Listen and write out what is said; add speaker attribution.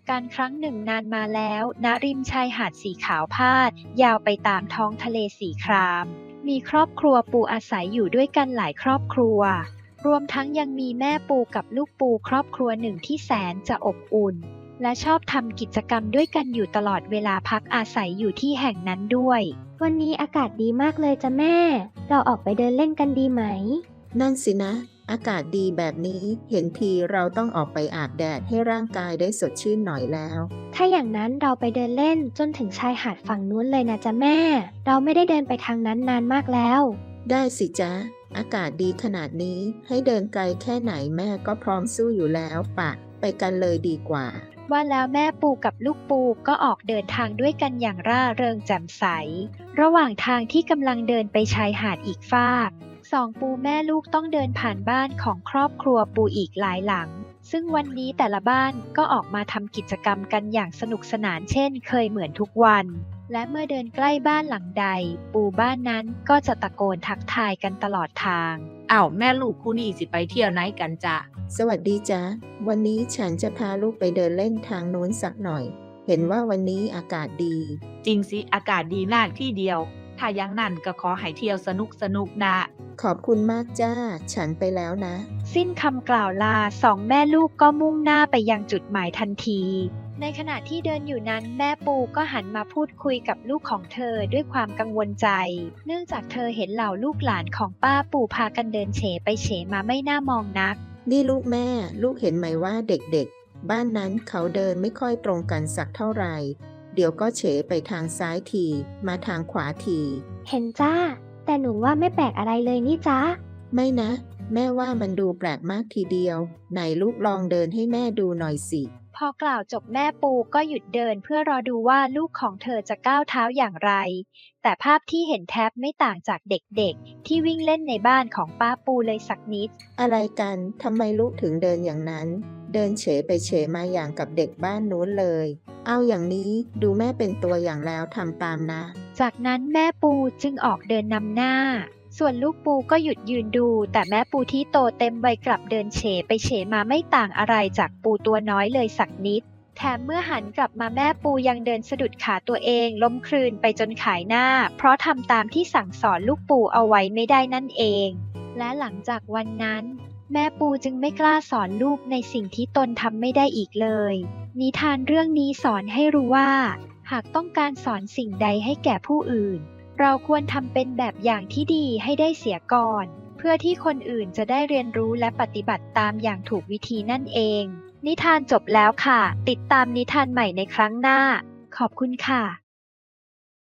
Speaker 1: การครั้งหนึ่งนานมาแล้วณริมชายหาดสีขาวพาดยาวไปตามท้องทะเลสีครามมีครอบครัวปูอาศัยอยู่ด้วยกันหลายครอบครัวรวมทั้งยังมีแม่ปูกับลูกปูครอบครัวหนึ่งที่แสนจะอบอุ่นและชอบทำกิจกรรมด้วยกันอยู่ตลอดเวลาพักอาศัยอยู่ที่แห่งนั้นด้วย
Speaker 2: วันนี้อากาศดีมากเลยจ้ะแม่ เราออกไปเดินเล่นกันดีไหม
Speaker 3: นั่นสินะ อากาศดีแบบนี้เห็นทีเราต้องออกไปอาบแดดให้ร่างกายได้สดชื่นหน่อยแล้ว
Speaker 2: ถ้าอย่างนั้นเราไปเดินเล่นจนถึงชายหาดฝั่งนู้นเลยนะจ๊ะแม่ เราไม่ได้เดินไปทางนั้นนานมากแล้ว
Speaker 3: ได้สิจ๊ะ อากาศดีขนาดนี้ให้เดินไกลแค่ไหนแม่ก็พร้อมสู้อยู่แล้วปะไปกันเลยดีกว่า
Speaker 1: ว่าแล้วแม่ปูกับลูกปูก็ออกเดินทางด้วยกันอย่างร่าเริงแจ่มใสระหว่างทางที่กำลังเดินไปชายหาดอีกฟากสองปูแม่ลูกต้องเดินผ่านบ้านของครอบครัวปูอีกหลายหลังซึ่งวันนี้แต่ละบ้านก็ออกมาทำกิจกรรมกันอย่างสนุกสนานเช่นเคยเหมือนทุกวันและเมื่อเดินใกล้บ้านหลังใดปูบ้านนั้นก็จะตะโกนทักทายกันตลอดทาง
Speaker 4: อ้าวแม่ลูกคู่นี้สิไปเที่ยวไหนกันจ้ะ
Speaker 3: สวัสดีจ๊ะวันนี้ฉันจะพาลูกไปเดินเล่นทางโน้นสักหน่อยเห็นว่าวันนี้อากาศดี
Speaker 4: จริงสิอากาศดีมากที่เดียวถ้าอย่างนั้นก็ขอให้เที่ยวสนุกนะ
Speaker 3: ขอบคุณมากจ้าฉันไปแล้วนะ
Speaker 1: สิ้นคำกล่าวลาสองแม่ลูกก็มุ่งหน้าไปยังจุดหมายทันทีในขณะที่เดินอยู่นั้นแม่ปูก็หันมาพูดคุยกับลูกของเธอด้วยความกังวลใจเนื่องจากเธอเห็นเหล่าลูกหลานของป้าปูพากันเดินเฉไปเฉมาไม่น่ามองนัก
Speaker 3: นี่ลูกแม่ลูกเห็นไหมว่าเด็กๆบ้านนั้นเขาเดินไม่ค่อยตรงกันสักเท่าไหร่เดี๋ยวก็เฉไปทางซ้ายทีมาทางขวาที
Speaker 2: เห็นจ้าแต่หนูว่าไม่แปลกอะไรเลยนี่จ้า
Speaker 3: ไม่นะแม่ว่ามันดูแปลกมากทีเดียวไหนลูกลองเดินให้แม่ดูหน่อยสิ
Speaker 1: พอกล่าวจบแม่ปูก็หยุดเดินเพื่อรอดูว่าลูกของเธอจะก้าวเท้าอย่างไรแต่ภาพที่เห็นแทบไม่ต่างจากเด็กๆที่วิ่งเล่นในบ้านของป้าปูเลยสักนิด
Speaker 3: อะไรกันทำไมลูกถึงเดินอย่างนั้นเดินเฉไปเฉมาอย่างกับเด็กบ้านนู้นเลยเอาอย่างนี้ดูแม่เป็นตัวอย่างแล้วทำตามนะ
Speaker 1: จากนั้นแม่ปูจึงออกเดินนำหน้าส่วนลูกปูก็หยุดยืนดูแต่แม่ปูที่โตเต็มวัยกลับเดินเฉไปเฉมาไม่ต่างอะไรจากปูตัวน้อยเลยสักนิดแถมเมื่อหันกลับมาแม่ปูยังเดินสะดุดขาตัวเองล้มคลืนไปจนขายหน้าเพราะทำตามที่สั่งสอนลูกปูเอาไว้ไม่ได้นั่นเองและหลังจากวันนั้นแม่ปูจึงไม่กล้าสอนลูกในสิ่งที่ตนทำไม่ได้อีกเลยนิทานเรื่องนี้สอนให้รู้ว่าหากต้องการสอนสิ่งใดให้แก่ผู้อื่นเราควรทำเป็นแบบอย่างที่ดีให้ได้เสียก่อนเพื่อที่คนอื่นจะได้เรียนรู้และปฏิบัติตามอย่างถูกวิธีนั่นเองนิทานจบแล้วค่ะติดตามนิทานใหม่ในครั้งหน้าขอบคุณค่ะ